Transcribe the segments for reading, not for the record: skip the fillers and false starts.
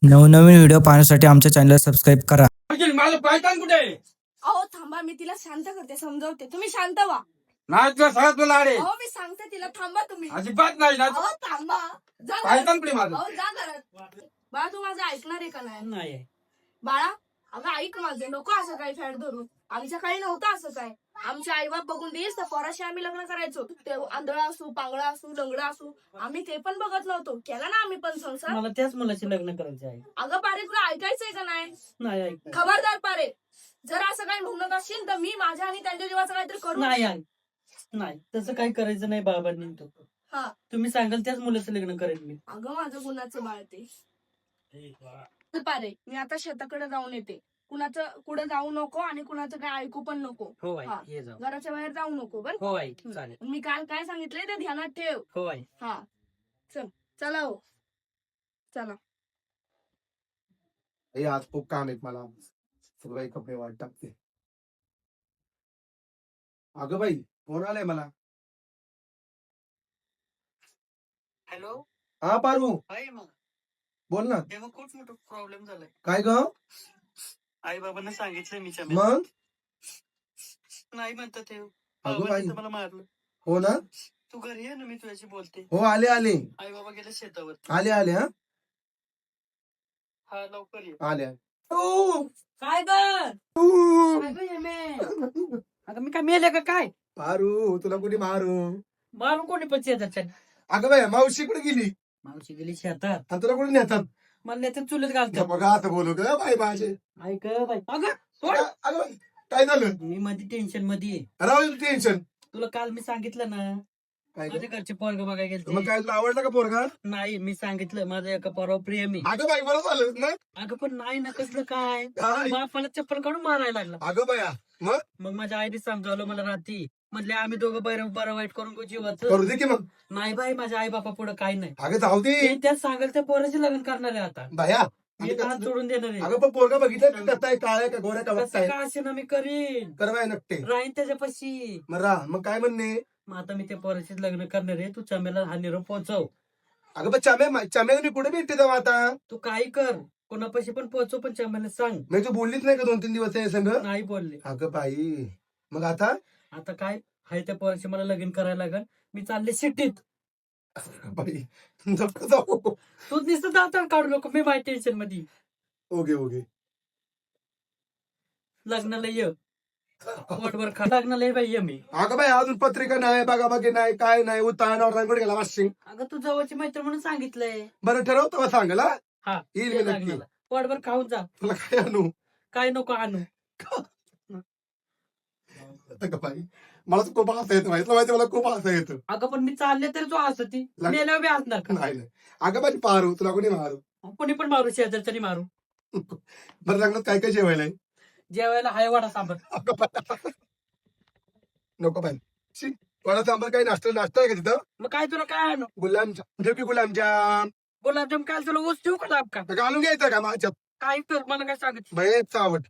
नवनवीन व्हिडिओ पाहण्यासाठी आमच्या चॅनलला सबस्क्राईब करा. माझं पायतान कुठे आहे? अहो थांबा, मी तिला शांत करते, समजावते. तुम्ही शांत व्हा. नाही तुला सगळ्यात तुला अरे अहो मी सांगते तिला, थांबा तुम्ही. अजिबात नाही ना. अहो थांबा. जा पायतान घरात. कुठे माझं? अहो जा घरात. बाळा तू माझं ऐकणार आहे का नाही? नाही बाळा अगं ऐक माझं, नको असं काही फॅड धरून. आमच्या काही नव्हतं असं काय. आमचे आई बाप बघून देस तर पोराशी आम्ही लग्न करायचो. ते आंधळा असू, पांगळा असू, लंगडा असू, आम्ही ते पण बघत नव्हतो. केला ना आम्ही पण संसार. मला त्याच मुलाशी लग्न करायचे आहे. अगं पारे तुला ऐकायचंय का नाही? नाही ऐक खबरदार पारे, जर असं काही म्हणत असशील तर मी माझ्या आणि त्यांच्या जीवाचं काहीतरी करू. नाही ऐक नाही तसं काही करायचं नाही बाबांनी. तो हा तुम्ही सांगाल त्याच मुलाचं लग्न करेल मी. अगं माझं गुणाचं बाळ ते. चल पारे, मी आता शेताकडे जाऊन येते. कुणाचं कुठे जाऊ नको आणि कुणाचं काय ऐकू पण नको. हो आई हा. ये जाऊ. घराच्या बाहेर जाऊ नको बर. हो आई चालेल. मी काल काय सांगितलंय ते ध्यानात ठेव. हो आई. हा चल, चला हो चला. आज खूप काम आहेत मला. सगळे कपडे वाट टाकते. अगं बाई फोन आलाय मला. हॅलो हा पारू आई मग बोल ना. तेव्हा खूप मोठा प्रॉब्लेम झालाय. काय ग? आई बाबांना सांगितलंय मी मग नाही म्हणतात ते. अगं बाई मला मारलं. हो ना. तू घरी ये ना, मी तुझ्याशी बोलते. हो आले आले आई बाबा गेले शेतावर. आले आले हा हा लवकर ये. आले. काय ग? अगं मी काय मेले का काय? पारू तुला कुठे मारू? मारून कोणी पण शेतात. अगं बाई मावशी कुठे गेली मावशी गेली शेतात. आणि तुला कुठे नेतात? मला नाही चुलीत घालतात. बघा आता बोलू ग बाई माझे. ऐक बाई. अगं सोड. अगं बाई काय झालं? मी मध्ये टेन्शन मध्ये आहे. राहू टेन्शन. तुला काल मी सांगितलं ना, काय माझ्या घरचे पोरग बघायला मग गेलते. काय तुला आवडला का पोरगा? नाही मी सांगितलं माझं एका पोरावर प्रेम आहे. अगं बाई बरं झालं ना. अगं पण नाही ना, कसलं काय. काय? बापाला चप्पल काढून मारायला लागला. अगं बाया मग मग माझ्या आईने समजावलं मला रात्री. म्हणले आम्ही दोघं बरं वाईट करून जीवाचं. करू दे की मग. नाही बाई, माझ्या आई बापा पुढे काही नाही. अगं जाऊ दे ते त्यात सांगाल त्या पोराचे लग्न करणार आहे आता. बाया. मी हात सोडून देणार आहे. अगं पण पोरगा बघितलं का कसा आहे, काळ्या का गोऱ्या का कसं बघताय? का असे ना मी करीन. करवाय नकटे राहीन त्याच्यापाशी. मग राह. मग काय म्हणणे? मग आता मी त्या पोराशीच लग्न करणार आहे. तू चमेला हा निरोप पोहोचव. अगं पण चम्याला मी कुठे भेटते जाऊ आता? तू काही कर, कोणापाशी पण पोहोचव, पण चमेला सांग. मी तू बोललीच नाही का 2-3 दिवस आहे संग? नाही बोलले. अगं बाई मग आता? आता काय हाय त्या पोराशी मला लगीन करायला लागल. मी चालले सिटीत. बाई नको जाऊ. तू नुसतं दातार काढू नको, मी माझ्या टेन्शन मध्ये. Okay okay. लग्नाला ये. पोटभर खा. लग्नाला ये बाई, ये मी. अगं बाई अजून पत्रिका नाही, बघा बघी नाही, काय नाही. उत्तानावर कुठे गेला वाशिंग? अगं तू जवळची मैत्र म्हणून सांगितलंय. बरं ठरवतो का सांगाल हा? हा येईल ये मी नक्की. लग्नाला. पोटभर खाऊन जा. तुला काय आणू? काय नको आणू. अगं बाई मला तर खूप हसा येतं माहिती मला खूप हसा येतं. अगं पण मी चालले तरी तू असत ती लग- मेल्यावर बी असणार का? नाही नाही. अगं बाई पारू तुला कोणी मारू? कोणी पण मारू, शेजारच्यानी मारू. बरं लग्नात काय काय जेवायला आहे? जेवायला हाय वडा सांबर. अगं बाई. नको बाई. शी, वडा सांबार काही नाश्ता आहे का तिथं? मग काय तुला काय आणू? गुलाबजाम ठेव की गुलाबजाम. गुलाबजाम काय तुला ऊस ठेवू का लाभ का? तर घालून घ्यायचं का माझ्यात? काय कर, मला काय सांगत. बाई चावट.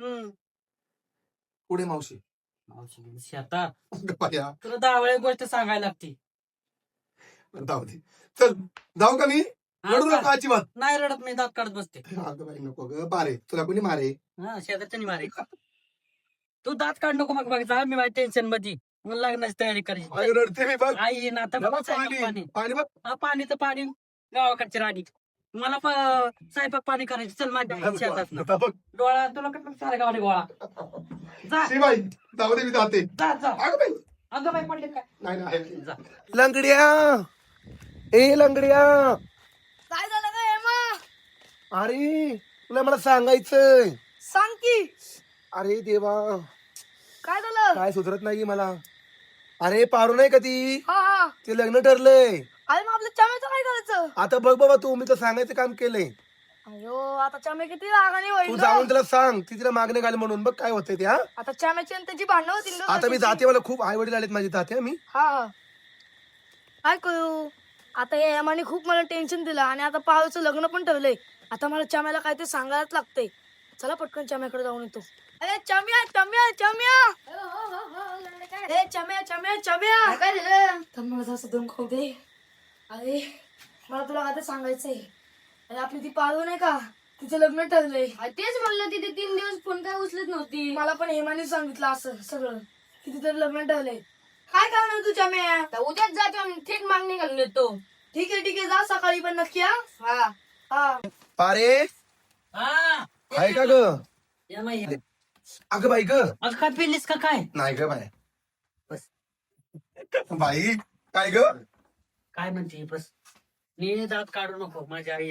पुढे मावशी. मावशी गेली शेतात. अगं बाया तुला 10 वेळा गोष्ट सांगायला लागते. जाऊ दे. चल जाऊ का मी? रडू नको अजिबात. नाही रडत, मी दात काढत बसते. अगं बाई नको ग बारे तुला कोणी मारे? हा शेजारच्यानी मारे. तू दात काढ नको मग बघ, मी माझ्या टेन्शन मध्ये. मला लग्नाची तयारी करायची. अगं रडते मी बघ. आई येईन आता. बाबा, स्वयंपाक पाणी. पाणी बघ. हा पाणी तर पाणी गावाकडची राणी. मला स्वयंपाक पाणी करायचं. चल माझ्या शेतात. आता बघ. डोळा तुला कसं साऱ्या गावाने गोळा. जा शी बाई जाऊ दे मी जाते. जा जा. अगं बाई अगं बाई पडले काय. नाही नाही. जा. लंगड्या ए लंगड्या. काय झालं का हेमा? अरे तुला मला सांगायचंय. सांग की. अरे देवा काय झालं? काय सुधरत नाही मला. अरे पारू नाही का ती? हा हा. ते लग्न ठरलंय. अरे मग आपल्या चम्याचं काय करायचं? आता बघ बाबा तू मी तर सांगायचं काम केलंय. अयो आता चम्या किती रागाने होईल तू गं. जाऊन तिला सांग ती तिला मागणे घाल म्हणून. बघ काय होतंय ते. हा आता चम्याची आणि त्याची भांडणं होतील गं. आता मी जाते. मला खूप आई वडील आलेत माझे. जाते मी. हा हा. काय करू आता? हे हेमाने खूप मला टेन्शन दिलं आणि आता पारूचं लग्न पण ठेवलंय. आता मला चम्याला काय ते सांगायलाच लागतंय. चला पटकन चम्याकडे जाऊन येतो. अरे चम्या चम्या चम्या. ए चम्या चम्या चम्या. काय झालं? तर मला असं दम खाऊ दे. अरे मला तुला काय ते सांगायचंय. अरे आपली ती पाळू नाही का तिचं लग्न ठरलंय. तेच म्हणलं तिथे 3 दिवस फोन काय उचलत नव्हती. मला पण हेमाने सांगितलं असं सगळं की तिचं लग्न ठरलंय. काय करणार तू चम्या? तर उद्याच जातो आम्ही थेट मागणी घालून येतो. ठीक आहे जा सकाळी पण नक्की. हा हा पारे हा आहे का ग? या माई. अगं बाई ग. आज काय पेलीस का काय? नाही ग बाय. बाई काय ग? काय म्हणते बस. मी दात काढू नको माझ्या आई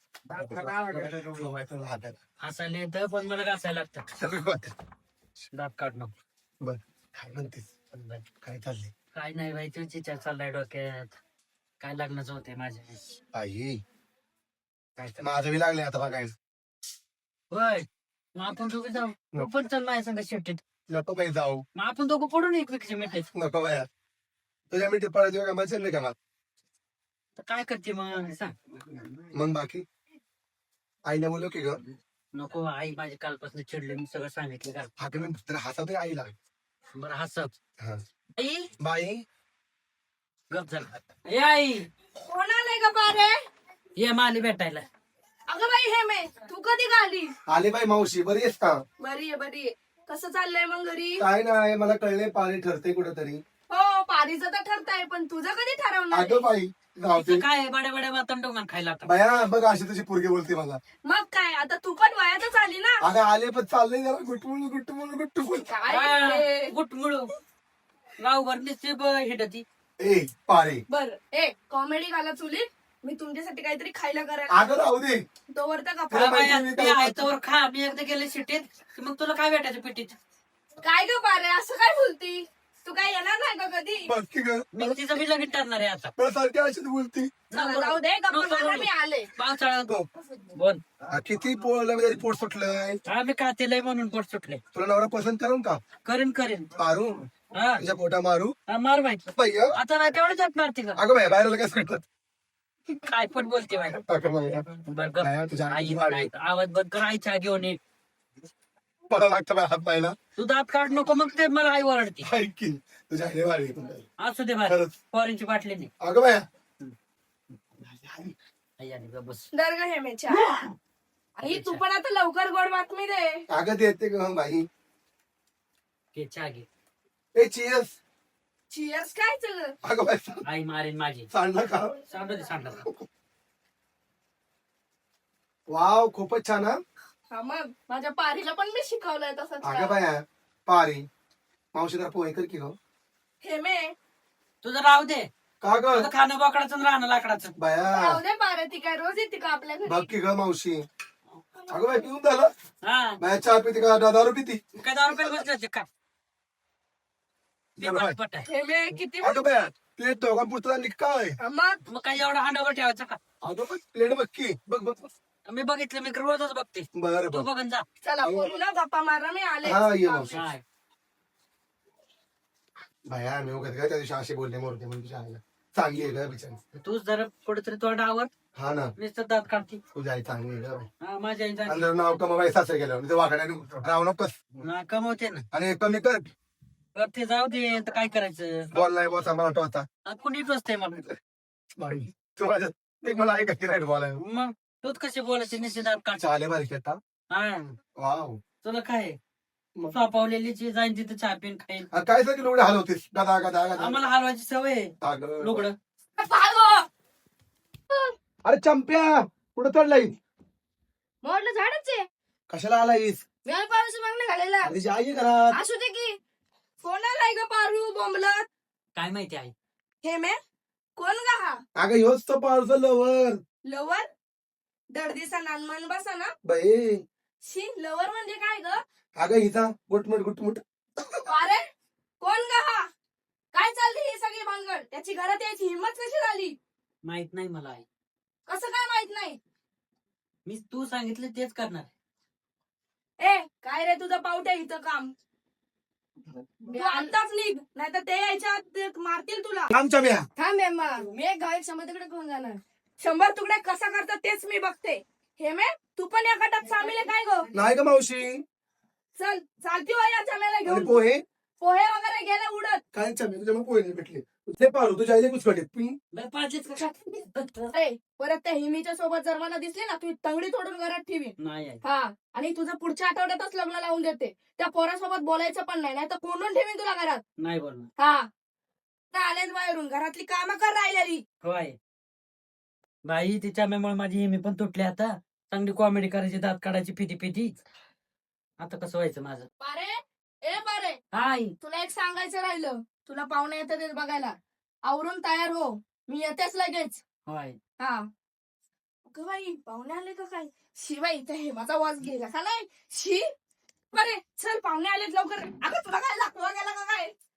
हसायला येतं पण मला घासायला लागतं. दात काढू नको. बर काय म्हणतेस? काय चाललंय? काय नाही बाई तुझी विचार चाललाय डोक्यात. काय लग्नाचं होते माझ्या. आई काय तर. माझं बी लागले आता बघायला. होय मग आपण दोघं जाऊ. नको. तू पण चल माझ्या संग शेवटीत. नको बाई जाऊ. मग आपण दोघं पडून एकमेकीच्या मिठीत. नको बाया. तुझ्या मिठी पडायची का मला चाललंय का मला? तर काय करते मग सांग. मग बाकी आईला बोललो की ग. नको आई माझी कालपासून चिडले मी सगळं सांगितलं का. हा की मी तर हसावते आईला. बरं हसत. हा. आई बाई गप झाला. ए आई कोण आलंय का पारे? ये माली भेटायला. अगं बाई हेमे तू कधी आली? आली बाई मावशी बरी आहेस का? बरी आहे. कसं चाललंय मग घरी? काय नाही मला कळले पाणी ठरते कुठेतरी. हो पारीचं तर ठरतंय पण तुझं कधी ठरवणार? अगं बाई गावते. इथं काय बड्या बड्या वातन डोंगर खायला आता. बाया बघ अशी तुझी पोरगी बोलते मला. मग काय आता तू पण वयातच आली ना. अगं आले पण चाललंय जरा गुटमुळ. काय गुटमुळू गावभर दिसते हिडती. ए पारे बर कॉमेडी घाला चुलीत. मी तुमच्यासाठी काहीतरी खायला करायला अगं राहू दे. तोवर तर तुला गप्पा. बाया, मी आहे तोवर खा. मी एकदा गेले शिटीत की मग तुला काय भेटायचं पिटीत. काय ग पारे असं काय बोलती? तू काय येणार नाही का कधी? बघ की ग. मी तिचं बी लगीन ठरणार आहे आता. मला सारखी अशीच बोलती. चला, जाऊ दे गप्पा नको, मारा, नको. मी आले. पावसाळा बोल. किती पोळला पोट सुटलंय. आम्ही खातेलंय म्हणून पोट सुटले. तुला नवरा पसंत करून का करेन मारू हा तुझ्या पोटा मारू. मार माहिती. बाई ग. आता नाही तेवढं जात मारते का. अगं बाई बाहेर काय करतात. काय पण बोलते बाई. अगं बाई, बरं गप. बाया, तुझ्या आई वाढ. नाही, आवाज बंद करायचा घेऊन ये. मला लागतं बाई हात पाहिला. तू दात काढ नको मग ते मला आई ओरडते. ऐक की तुझ्या आईने वाढली. असू दे बाय. खरंच. फॉरेनची बाटली नाही. अगं बाया आई आली गं, बस. दर ग हेमेच्या. आई तू पण आता लवकर गोड बातमी दे. अगं देते ग बाई. घे चहा घे. ए चियर्स. चिअर्स काय सगळं? अगं बाई आई मारेन माझी. सांडलं का? सांडलं. वाव खूपच छान हा. हा मग माझ्या पारीला पण मी शिकवलंय तसंच अगं का? बाया पारी मावशी जरा पोहे कर की ग. हेमे तुझं राहू दे. का ग तुझं खाणं बोकडाचं आणि राहणं लाकडाचं. बाया जाऊ दे पारे, ती काय रोज येते का आपल्या बघ घरी? की ग मावशी. अगं बाई पिऊन झालं. हा बाया चहा पिते का दारू पिती? काय 10 रुपये बसले का. पट आहे. हेमे किती अगं बाया प्लेट दोघां पुरता आणि काय? मग मग काय एवढा हांडावर ठेवायचा का. अगं बघ प्लेट बघ की बघ बघ. मी बघितलं मी रोजच बघते. बरं तू बघ. बघन जा. चला बोलू ना गप्पा मारा, मी आले. हा ये मावशी. काय बाया मी उगाच काय त्या दिवशी असे बोलले मोरते म्हणून तुझ्या आईला. चांगली आहे ग बिचारी. तूच जरा कुठेतरी तोंडावर हा ना नुसतं दात काढते. तुझी आई चांगली आहे ग बाई. हा माझ्या आईचा आणि जर नाव कमाबाई सासरे गेल्यावर वाकड्याने राहू नकोस. ना कमवते ना. आणि कमी कर. तर ते जाऊ दे तर काय करायचं. बॉल नाही बॉल मला टोचा. कुणी टोचते मला. बाई तू माझ्या ते मला ऐकायची नाही बॉल मग तूच कशी बोलायची निश्चित दात काढ. चाले बारीक येता. हा वाव तुला काय मग. सोपावलेली जी जाईन तिथं चहा पिन खाईल. अरे काय सगळी लुगडे हलवतीस गदा गदा गदा. आम्हाला हलवायची सवय आहे. अगं. लुगडं अरे चंप्या कुठं चढलाय? मोडलं झाडच आहे. कशाला आलायस? मी पाऊस मागणं घालायला. अरे जी आई आहे घरात. असू दे की. कोण आलाय ग पारू बोंबलत? काय माहिती आहे. हेमे कोण गा हा? अगं ह्योच तो पार्सल लवर. लवर? दर्दीचा नानमान बसा ना. बाई शी लवर म्हणजे काय ग? अगं हिचा गुटमुट गुटमुट. अरे कोण गा हा? काय चालली ही सगळी भानगड? त्याची घरात यायची हिंमत कशी झाली? माहित नाही मला आई. कसं काय माहित नाही? मी तू सांगितलं तेच करणार. ए काय रे तुझं पावट्या इथं काम? तू आताच निघ, नाही तर ते यायच्या आत ते मारतील तुला. आमच्या म्या. थांब एम्मा, मी एक गायक समाजाकडे घेऊन जाणार. 100 तुकडे कसा करतात तेच मी बघते. हेमे तू पण या गटात सामील आहे काय ग? नाही ग मावशी. चल चालती हो या चम्याला आणि घेऊन. पोहे पोहे वगैरे गेले उडत. काय चम्या तुझ्या मग पोहे नाही भेटले. ते पाहू तुझ्या आईले कुचकटे बरं, पाहिजेच का? अरे परत त्या हिमीच्या सोबत जर मला दिसली ना तू तंगडी तोडून घरात ठेवी नाही आहे. हा आणि तुझं पुढच्या आठवड्यातच लग्न लावून देते त्या पोरासोबत बोलायचं पण नाही तर कोंडून ठेवीन तुला घरात. नाही बोलणार. हा तर आलेच बाहेरून घरातली कामं कर राहिलेली. होय बाई, तिच्या मुळे माझी मी पण तुटली आता. चांगली कॉमेडी करायची, दात काढायची, फिती फिती. आता कसं व्हायचं माझं? बारे हाय. तुला एक सांगायचं राहिलं. तुला पाहुणे येतात बघायला, आवरून तयार हो, मी येतेच लगेच. होय. हा अगं बाई पाहुणे आले का काय? शिवाई इथे हेमाचा वास गेला का नाही? शी बरे चल पाहुणे आलेत लवकर. अगं तुला काय लागतो गेला का काय?